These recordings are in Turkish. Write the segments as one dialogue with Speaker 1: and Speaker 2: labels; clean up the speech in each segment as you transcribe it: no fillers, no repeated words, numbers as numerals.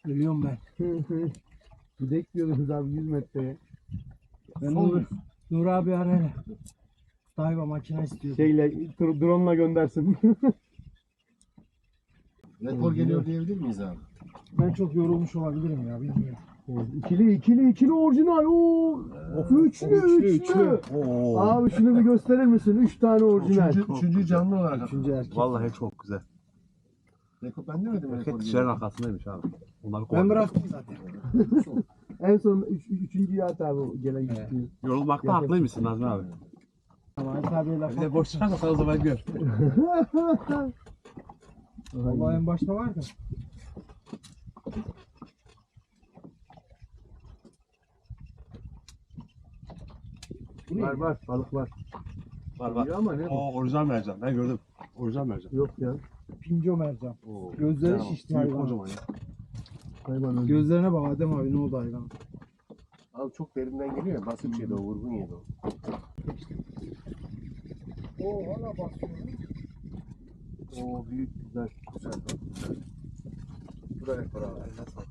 Speaker 1: Ölüyorum ben.
Speaker 2: Gidek diyordunuz abi 100 metreye.
Speaker 1: Ben Nur abi arayla. Dayva makine istiyor.
Speaker 2: Drone'la göndersin.
Speaker 3: Rekor geliyor diyebilir miyiz abi?
Speaker 1: Ben çok yorulmuş olabilirim ya, bilmiyorum.
Speaker 2: İkili orijinal. Oo. Üçlü.
Speaker 3: Oo.
Speaker 2: Abi şunu bir gösterir misin? 3 tane orijinal.
Speaker 3: Üçüncü canlı olarak.
Speaker 1: Üçüncü erkek.
Speaker 4: Vallahi çok güzel.
Speaker 3: Rekor ben demedim rekor
Speaker 4: Erkek
Speaker 3: geliyor.
Speaker 4: dişlerin arkasındaymış abi. Onları
Speaker 1: Ben
Speaker 4: kovalıyor.
Speaker 1: bıraktım zaten.
Speaker 2: En son üçüncüyü at abi o gelen gitti.
Speaker 4: Yorulmakta haklıymışsın Nazmi abi.
Speaker 1: Ama Halit abiye laf
Speaker 4: Bir de boş çıkarsa o zaman gör.
Speaker 1: Vallahi en başta vardı.
Speaker 2: Var balık var.
Speaker 4: Var.
Speaker 2: İyi ama ne bu?
Speaker 4: Oo, orijinal mercan. Ben gördüm. Orijinal mercan.
Speaker 2: Yok ya.
Speaker 1: Pinco mercan.
Speaker 4: Oo,
Speaker 1: Gözleri
Speaker 4: güzel
Speaker 1: şişti
Speaker 4: ama. Büyük
Speaker 1: hayvan.
Speaker 4: kocaman ya.
Speaker 2: Hayvan öldü.
Speaker 1: Gözlerine bak Adem abi, ne oldu hayvan?
Speaker 3: Abi çok derinden geliyor ya. Basit şeydi o, vurgun yedi o.
Speaker 1: Oo hala basıyor.
Speaker 2: Oo büyük güzel.
Speaker 3: Güzel bak, güzel. Bu da rekor abi.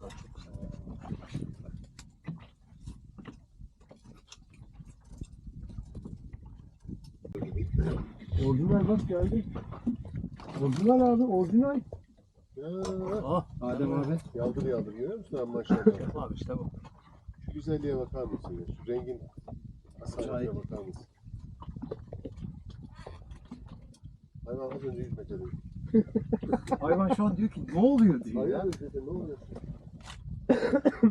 Speaker 2: Orijinal bak geldi. Orijinal abi orijinal.
Speaker 3: Ya,
Speaker 1: Adem abi.
Speaker 3: yaldır görüyor musun abi maşallah.
Speaker 4: Abi işte bu.
Speaker 3: Şu güzelliğe bakar mısın ya? Şu rengin asaletine bakar mısın? Hayvan az önce 100 metre dedi.
Speaker 1: Hayvan şu an diyor ki ne oluyor diyor.
Speaker 3: Hayvan dedi ne oluyor?